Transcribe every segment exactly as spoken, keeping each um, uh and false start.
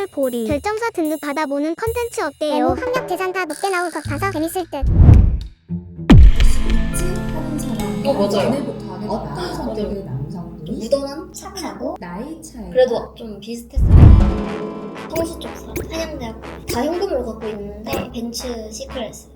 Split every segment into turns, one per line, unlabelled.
보리 결정서 등급 받아보는 컨텐츠 어때요?
학력 계산 다 높게 나올 것 같아서 재밌을 듯.
하는 사람
어, 맞아요.
연애부터 하겠다.
어떤
성격의 남성분이
무던한?
착하고
나이 차이
그래도 좀 비슷했어요.
성시 쪽 사람. 한양대학 다 현금으로 갖고 있는데 벤츠 시크릿.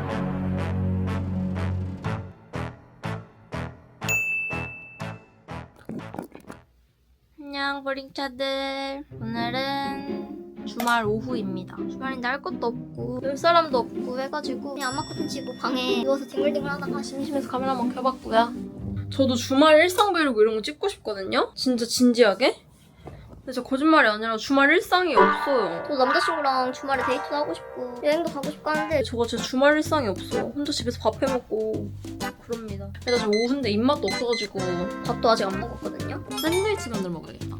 안녕 버링차들. 오늘은 주말 오후입니다. 주말인데 할 것도 없고 놀 사람도 없고 해가지고 그냥 안마커튼 치고 방에 누워서 뒹굴뒹굴 하다가 심심해서 카메라 한번 켜봤고요. 저도 주말 일상 브이로그 이런 거 찍고 싶거든요? 진짜 진지하게? 근데 진짜 거짓말이 아니라 주말 일상이 없어요.
저 남자친구랑 주말에 데이트도 하고 싶고 여행도 가고 싶고 하는데
저거 진짜 주말 일상이 없어. 혼자 집에서 밥 해먹고 그럽니다. 일단 지금 오후인데 입맛도 없어가지고 밥도 아직 안 먹었거든요. 샌드위치 만들어 먹어야겠다.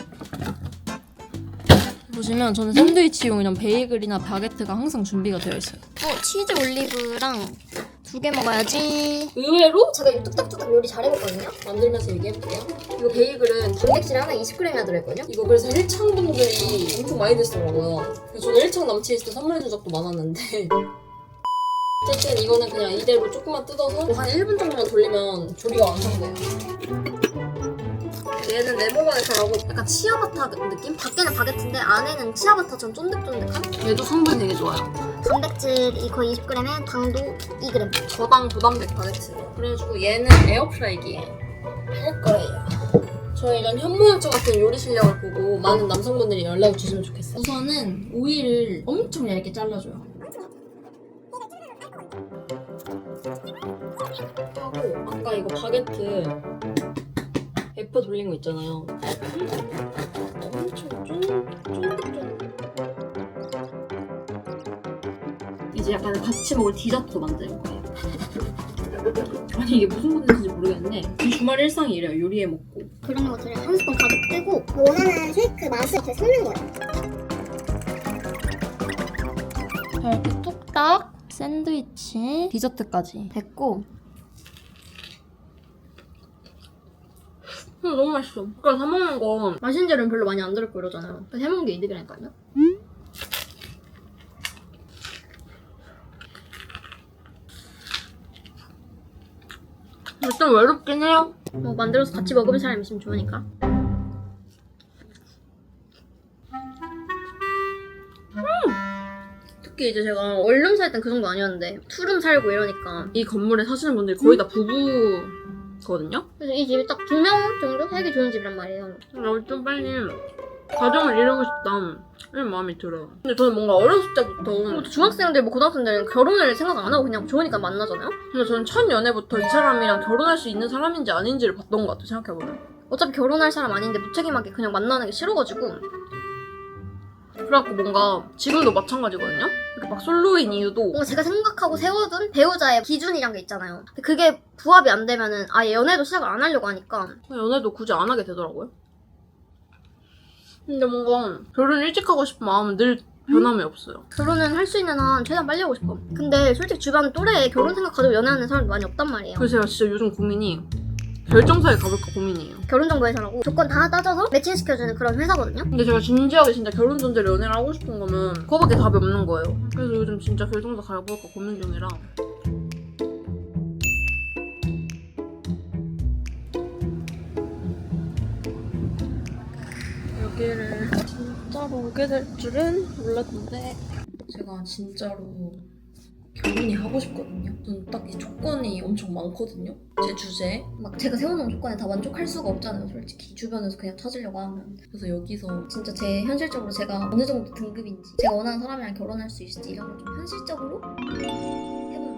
보시면 저는 샌드위치용이랑 베이글이나 바게트가 항상 준비가 되어 있어요. 어, 치즈 올리브랑 두 개 먹어야지. 의외로 제가 이거 뚝딱뚝딱 요리 잘 해먹거든요? 만들면서 얘기해볼게요. 이거 베이글은 단백질 하나 이십 그램이나 들어있거든요? 이거 그래서 일창분들이 엄청 많이 드시더라고요. 그래서 저는 일창 남친이 있을 때 선물해준 적도 많았는데 어쨌든 이거는 그냥 이대로 조금만 뜯어서 한 일 분 정도만 돌리면 조리가 완성돼요. 얘는 네모반에 잘하고 약간 치아바타 느낌? 밖에는 바게트인데 안에는 치아바타처럼 쫀득쫀득한? 얘도 성분 되게 좋아요.
단백질이 거의 이십 그램에 당도 이 그램.
저당 부담백 바게트. 그래가지고 얘는 에어프라이기에 할 거예요. 저희 이런 현모양처 같은 요리 실력을 보고 많은 남성분들이 연락을 주시면 좋겠어요. 우선은 오이를 엄청 얇게 잘라줘요. 하고 아까 이거 바게트 에퍼 돌린 거 있잖아요. 엄청 쫀쫀쫀쫀. 이제 약간 같이 먹을 디저트 만드는 거예요. 아니 이게 무슨 콘텐츠인지 모르겠는데 이 주말 일상이 이래요. 요리해 먹고.
그런 것들을 한 스푼 가득 뜨고 원하는 쉐이크 맛을 이렇게 섞는 거예요.
이렇게 뚝딱 샌드위치 디저트까지 됐고. 음, 너무 맛있어. 그러니까 사 먹는 거 맛있는 재료는 별로 많이 안 들었고 이러잖아요. 그래서 해먹는 게 이득이라니까요. 좀 외롭긴 해요. 뭐 만들어서 같이 먹으면 사람 있으면 좋으니까. 음! 특히 이제 제가 원룸 살 땐 그 정도 아니었는데 투룸 살고 이러니까 이 건물에 사시는 분들이 거의 다 부부거든요. 그래서 이 집이 딱 두 명 정도 살기 좋은 집이란 말이에요. 나 좀 빨리 가정을 이루고 싶다 이런 마음이 들어요. 근데 저는 뭔가 어렸을 때부터 중학생들 뭐 고등학생들은 결혼을 생각 안 하고 그냥 좋으니까 만나잖아요? 근데 저는 첫 연애부터 이 사람이랑 결혼할 수 있는 사람인지 아닌지를 봤던 것 같아요. 생각해보면 어차피 결혼할 사람 아닌데 무책임하게 그냥 만나는 게 싫어가지고 그래갖고 뭔가 지금도 마찬가지거든요? 이렇게 막 솔로인 이유도 뭔가 제가 생각하고 세워둔 배우자의 기준이란 게 있잖아요. 근데 그게 부합이 안 되면은 아예 연애도 시작을 안 하려고 하니까 연애도 굳이 안 하게 되더라고요. 근데 뭔가 결혼 일찍 하고 싶은 마음은 늘 변함이 없어요. 결혼은 할 수 있는 한 최대한 빨리 하고 싶어. 근데 솔직히 주변 또래에 결혼 생각 가지고 연애하는 사람도 많이 없단 말이에요. 그래서 제가 진짜 요즘 고민이 결정사에 가볼까 고민이에요. 결혼정보회사라고 조건 다 따져서 매칭시켜주는 그런 회사거든요. 근데 제가 진지하게 진짜 결혼 전제로 연애를 하고 싶은 거면 그거밖에 답이 없는 거예요. 그래서 요즘 진짜 결정사 가볼까 고민 중이라. 여기를 진짜로 오게 될 줄은 몰랐는데 제가 진짜로 결혼이 하고 싶거든요. 저는 딱 이 조건이 엄청 많거든요. 제 주제에 막 제가 세워놓은 조건에 다 만족할 수가 없잖아요. 솔직히 주변에서 그냥 찾으려고 하면. 그래서 여기서 진짜 제 현실적으로 제가 어느 정도 등급인지 제가 원하는 사람이랑 결혼할 수 있을지 이런 걸 좀 현실적으로 해보는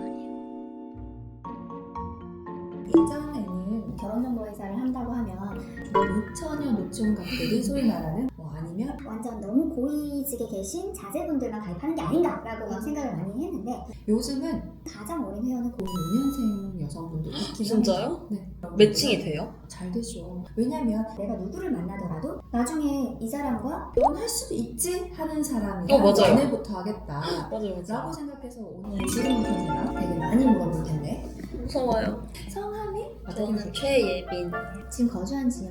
날이에요.
예전에는 결혼정보회사를 한다고 하면 노처녀 노총각들이 소위 말하는 뭐 아니면
완전 너무 고위직에 계신 자제분들만 가입하는 게 아닌가라고 막 생각을 많이 했는데
요즘은
가장 어린 회원은
오 년생 여성분도 있긴
진짜요?
합니다. 네.
매칭이 돼요?
잘 되죠. 왜냐면
내가 누구를 만나더라도 나중에 이 사람과
결혼할 수도 있지 하는 사람이랑
어, 맞아요.
연애부터 하겠다
맞아요.
라고 생각해서 오늘 지금부터는 되게 많이 물어볼 텐데
무서워요.
성함이 어떻게
저는
되세요?
최예빈.
지금 거주한 지역이 어디예요?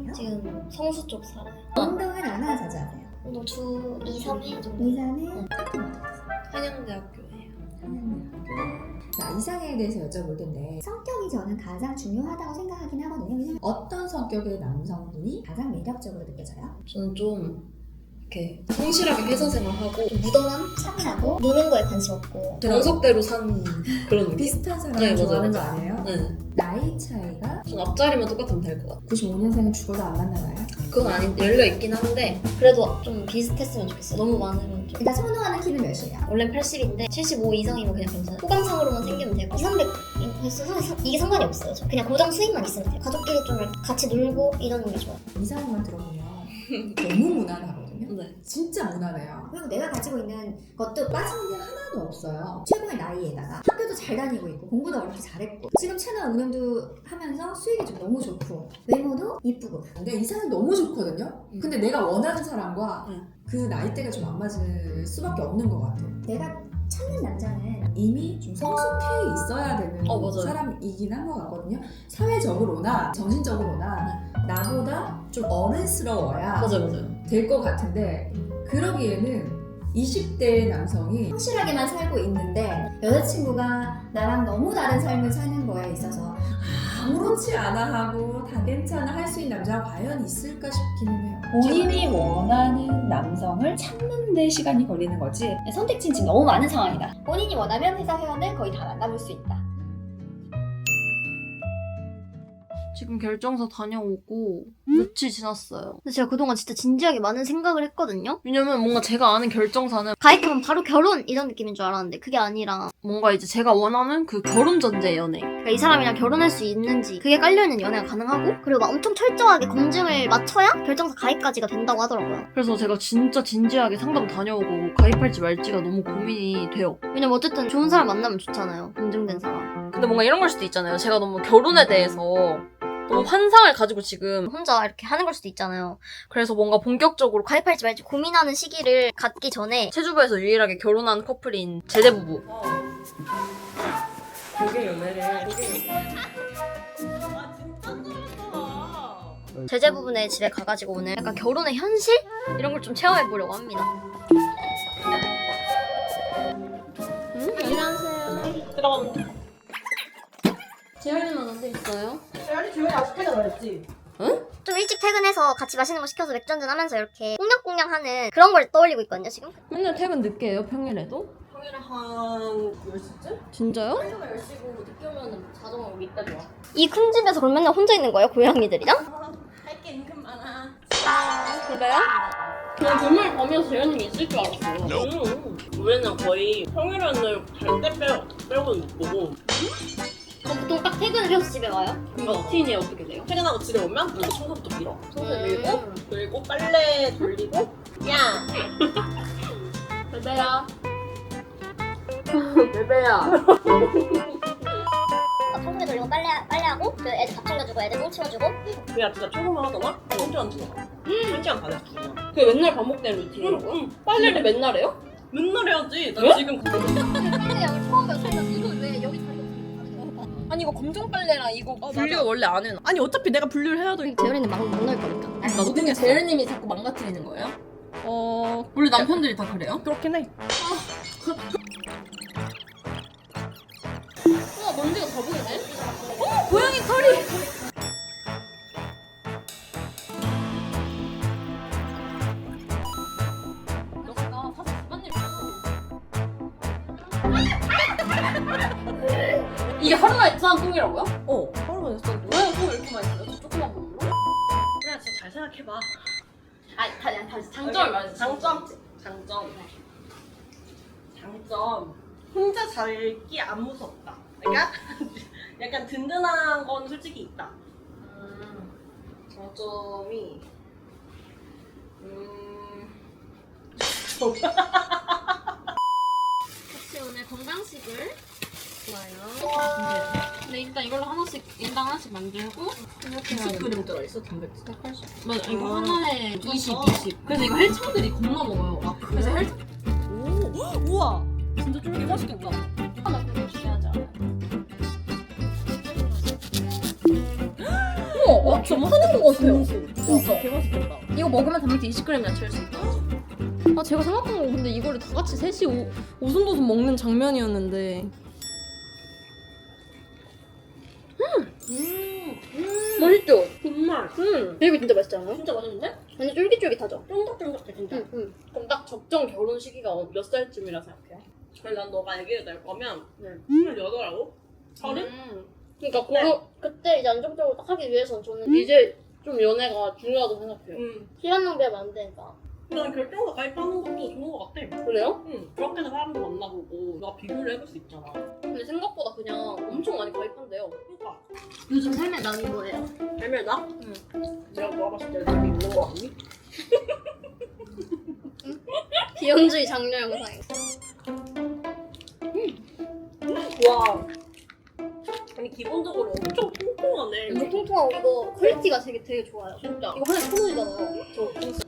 사세요?
지금 성수 쪽 살아요.
운동은 얼마나 자주 하세요?
운동 주 이, 삼 회 정도.
이, 삼 회? 학교는 어떻게 하세요?
한양대학교예요.
자, 이상에 대해서 여쭤볼 텐데 성격이 저는 가장 중요하다고 생각하긴 하거든요. 왜냐면 어떤 성격의 남성분이 가장 매력적으로 느껴져요?
저는 좀 이렇게 성실하게 회사 생활하고 좀 무던한,
차분하고
노는 거에 관심 없고
그럼-
정석대로 산 그런 느낌?
비슷한 사람을
네, 맞아요,
좋아하는 거
맞아요.
아니에요?
네.
나이 차이가
전 앞자리만 똑같으면 될 것 같아요.
구십오 년생은 죽어도 안 만나나요?
그건 아닌데 열려있긴 한데 그래도 좀 비슷했으면 좋겠어요. 너무 많으면 좀.
일단 선호하는 키는 몇이에요?
원래는 팔십인데 칠십오 이상이면 그냥 괜찮아요. 호감상으로만 생기면 되고 이삼백 이게 상관이 없어요. 저 그냥 고정 수익만 있으면 돼요. 가족끼리 좀 같이 놀고 이러는 게 좋아요.
이상형만 들어보면 너무 무난하거든요.
네.
진짜 무난해요. 그리고 내가 가지고 있는 것도 빠지는 게 하나도 없어요. 최고의 나이에다가 학교도 잘 다니고 있고 공부도 그렇게 잘했고 지금 채널 운영도 하면서 수익이 좀 너무 좋고 외모도 이쁘고 근데 이상은 너무 좋거든요. 근데 내가 원하는 사람과
음.
그 나이대가 좀 안 맞을 수밖에 없는 것 같아요. 내가 찾는 남자는 이미 좀 성숙해 있어야 되는
어, 맞아요.
사람이긴 한 것 같거든요. 사회적으로나 정신적으로나 나보다 좀 어른스러워야
맞아요, 맞아요.
될 것 같은데 그러기에는 이십 대 남성이 성실하게만 살고 있는데 여자친구가 나랑 너무 다른 삶을 사는 거에 있어서 아무렇지 않아 하고 다 괜찮아 할 수 있는 남자가 과연 있을까 싶기는 해요.
본인이 원하는 남성을 찾는 데 시간이 걸리는 거지 선택지는 지금 너무 많은 상황이다. 본인이 원하면 회사 회원을 거의 다 만나볼 수 있다.
지금 결정서 다녀오고 며칠 지났어요. 근데 제가 그동안 진짜 진지하게 많은 생각을 했거든요. 왜냐면 뭔가 제가 아는 결정사는 가입하면 바로 결혼 이런 느낌인 줄 알았는데 그게 아니라 뭔가 이제 제가 원하는 그 결혼 전제 연애. 그러니까 이 사람이랑 결혼할 수 있는지 그게 깔려있는 연애가 가능하고 그리고 막 엄청 철저하게 검증을 마쳐야 결정사 가입까지가 된다고 하더라고요. 그래서 제가 진짜 진지하게 상담 다녀오고 가입할지 말지가 너무 고민이 돼요. 왜냐면 어쨌든 좋은 사람 만나면 좋잖아요. 검증된 사람. 근데 뭔가 이런 걸 수도 있잖아요. 제가 너무 결혼에 대해서 너무 환상을 가지고 지금 혼자 이렇게 하는 걸 수도 있잖아요. 그래서 뭔가 본격적으로 가입할지 말지 고민하는 시기를 갖기 전에 체주부에서 유일하게 결혼한 커플인 제대부부.
되게 연애를
제제부부네 집에 가가지고 오늘 약간 결혼의 현실? 이런 걸 좀 체험해보려고 합니다. 응? 안녕하세요.
들어가면
재현이만 언제 있어요?
재현이 조용히 아직 퇴근 안 했지?
좀 일찍 퇴근해서 같이 맛있는 거 시켜서 맥주 한잔 하면서 이렇게 꽁냥꽁냥하는 그런 걸 떠올리고 있거든요 지금.
맨날 퇴근 늦게 해요, 평일에도?
평일에 한 열 시쯤?
진짜요?
회사가 열 시고 늦게 오면 자동으로 이따 좋아.
이 큰 집에서 그럼 맨날 혼자 있는 거예요 고양이들이랑?
할 게 은근 많아.
그래요?
그냥 금요일 밤이어서 재현님이 있을 줄 알았어. 응. 우리는 거의 평일에는 갈 때 빼고, 빼고는 못 보고.
그럼 보통 딱 퇴근을 해서 집에 와요?
그러니까 루틴이 어떻게 돼요? 퇴근하고 집에 오면 먼저 청소부터 밀어. 청소 밀고, 그리고 빨래 돌리고, 야!
베베야. 베베야.
막 청소기 돌리고 빨래, 빨래하고 그 애들 밥 챙겨주고 애들 똥 치워주고
그냥 진짜 청소만 하더만? 한 시간 들어가. 한 시간 반에서 두 시간. 그게 맨날 반복되는 루틴이라고? 응.
빨래를 맨날 해요?
맨날 해야지. 나 지금
빨래 양을 처음 배웠어. 이거 왜 여기 다리
아니 이거 검정 빨래랑 이거 분리가 원래 안 해놔.
아니 어차피 내가 분류를 해야 돼.
재현이는 막 못 넣을 거니까.
나도 근데 재현님이 자꾸 망가뜨리는 거예요?
어
원래 남편들이 다 그래요?
그렇긴 해.
우와 먼지가 다 보이네? 어 고양이 털이! 나 사실 집안일 이게 하루 만에 싸는 똥이라고요?
어 하루만 했어.
왜 똥을 이렇게 많이 써요? 저 조그만 걸로?
그래 진짜 잘 생각해봐.
아니 다, 다시 장점을 말해주세요.
장점. 장점. 장점. 혼자 살기 안 무섭다. 그러니까 약간 든든한 건 솔직히 있다.
음, 장점이 음... 혹시 오늘 건강식을 좋아요. 근데 일단 이걸로 하나씩 인당 하나씩 만들고 이렇게 해야
육십
돼.
그램 들어있어 단백질.
백팔십. 맞아 이거
아.
하나에 이십, 이십. 그래서 이거 헬창들이 겁나 먹어요. 그래서 헬창
오 우와 진짜 쫄깃 맛있겠다.
하나 되게 중요하지 않아요? 어, 와, 좀 하는 거 같아요. 진짜. 개맛있겠다. 이거 먹으면 단백질 이십 그램이나 채울 수 있다. 아, 제가 생각한 건 근데 이거를 다 같이 셋이 오, 오순도순 먹는 장면이었는데.
음,
맛있죠?
정말
음. 이거 진짜 맛있지 않아요?
진짜 맛있는데?
완전 쫄깃쫄깃하죠?
쫀득쫀득해 진짜.
응, 응.
그럼 딱 적정 결혼 시기가 몇 살쯤이라 생각해요? 그래 난 너가 얘기를 낼 거면
네.
스물여덟하고 서른?
음. 그러니까 그거 그때 이제 안정적으로 딱 하기 위해선 저는 이제 좀 연애가 중요하다고 생각해요.
응.
시간 낭비하면 안 되니까.
난 결정서 가입하는 것도 좋은 것 같아.
그래요?
응. 그렇게 해서 사람도 만나보고 너가 비교를 해볼 수 있잖아.
근데 생각보다 그냥 엄청 많이 가입한대요.
그러니까
요즘 삶의 낙이 뭐예요?
별명 나? 응. 내가 물어봤을 때 남이 있는 거 같니?
비현주의 장려 영상이요.
와. 아니 기본적으로 엄청 통통하네.
이거 통통하고 이거 퀄리티가 되게 되게 좋아요.
진짜.
이거 하나에 천 원이잖아요. 저 진짜.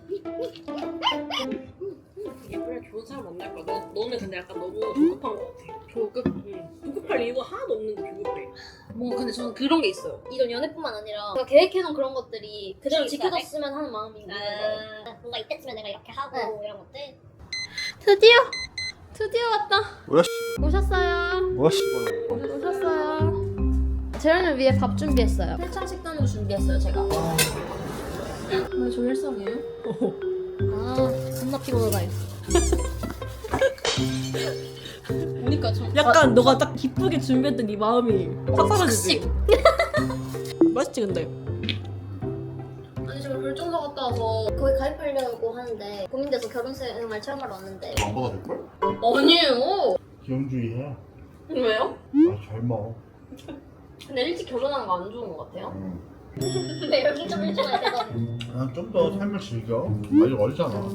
이게 그래 좋은 사람 만날 거야. 너, 너는 근데 약간 너무 조급한 것 같아.
조급.
응. 조급할 이유가 하나도 없는데 조급해.
뭔가 근데 저는 그런 게 있어요. 이전 연애뿐만 아니라 제가 계획해놓은 그런 것들이 그대로 지켜졌으면 하는 마음이 있는 거예요.
아, 뭔가 이때쯤에 내가 이렇게 하고
네.
이런 것들.
드디어 드디어 왔다.
뭐야
오셨어요.
뭐야 씨발.
오셨어요. 재현을 위해 밥 준비했어요. 세찬 식단으로 준비했어요 제가. 왜 저 일성이에요? 아 겁나 피곤하다 이거. 보니까 좀
약간 너가 딱 기쁘게 준비했던 이 마음이 팍 사라지지? 맛있지 근데?
아니 지금 결정서 갔다 와서 거기 가입하려고 하는데 고민돼서 결혼생활 체험하러 왔는데
안 받아줄걸?
아니에요.
기형주의해.
왜요?
아 젊어.
근데 일찍 결혼하는 거 안 좋은 것 같아요.
응.
근데 여기 좀 일찍 와야 돼서.
그냥 좀 더 삶을 즐겨. 아직 어리잖아.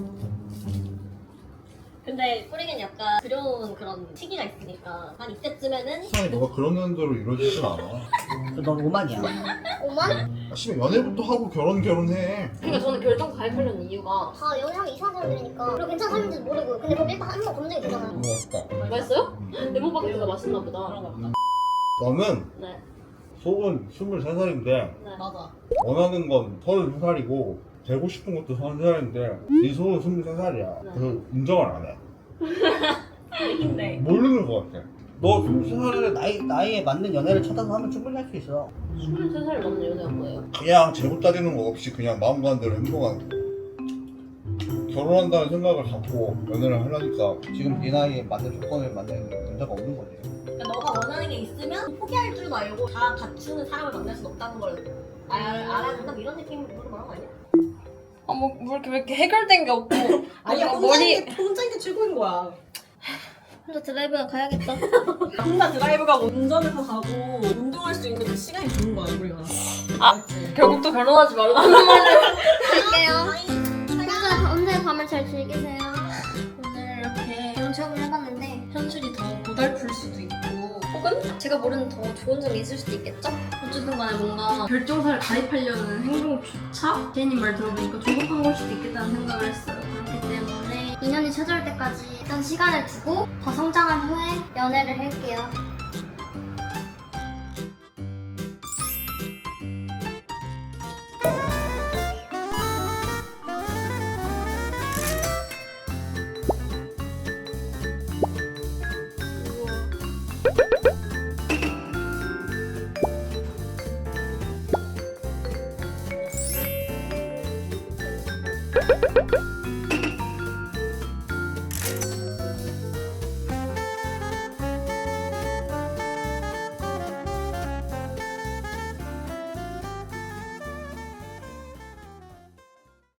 근데 뿌리는 약간 두려운 그런 시기가 있으니까 한 이때쯤에는
세상에 너가 그러는 대로 이루어지진 않아.
넌 오만이야.
오만?
아, 씨발 연애부터 하고 결혼 결혼해.
그러니까 저는 결정서 가입하려는 이유가
다 연애하기 이상한 사람들이니까 그리고 괜찮은 사람인지도 모르고 근데 그럼 일단 한번 검증이 되잖아요.
뭐 없다.
맛있어요? 레몬 바게트가 맛있나 보다.
너는
네.
속은 스물세 살인데
네.
맞아.
원하는 건 서른두 살이고 되고 싶은 것도 서른 살인데 네 속은 스물세 살이야.
네.
그래서 인정을 안 해.
근데
모르는 것 같아.
너 스물세 살에 나이, 나이에 맞는 연애를 찾아서 하면 충분히 할 수 있어.
스물세 살 넘는 연애가 뭐예요?
그냥 재고 따지는 거 없이 그냥 마음 가는 대로 행동하는 거. 결혼한다는 생각을 갖고 연애를 하려니까
지금 네 나이에 맞는 조건을 만나는 문제가 없는 거지.
그러니까 너가 원하는 게 있으면 포기할 줄도 알고 다 갖추는 사람을 만날 수 없다는 걸 알, 알아야 된다 뭐 이런 느낌으로 말한 거 아니야?
아, 뭐, 뭐 이렇게, 왜 이렇게 해결된 게 없고.
아니야
뭔가
혼자인 게 혼자인 게 최고인 거야.
혼자 드라이브나 가야겠다.
혼자 드라이브 가고 운전해서 가고 운동할 수 있는 그 시간이 좋은 거야 우리가.
아, 결국 또 결혼하지 말라는 말을.
갈게요.
혼자, 혼자 밤을 잘 즐기세요.
오늘 이렇게
이런 체험을 해봤는데
현실이 더 고달플 수도 있고, 혹은 제가 모르는 더 좋은 점이 있을 수도 있겠죠? 어쨌든 간에 뭔가 결정사를 가입하려는 행동조차 제이님 말 들어보니까 조급한 걸 수도 있겠다는 생각을 했어요.
그렇기 때문에 인연이 찾아올 때까지 일단 시간을 두고 더 성장한 후에 연애를 할게요.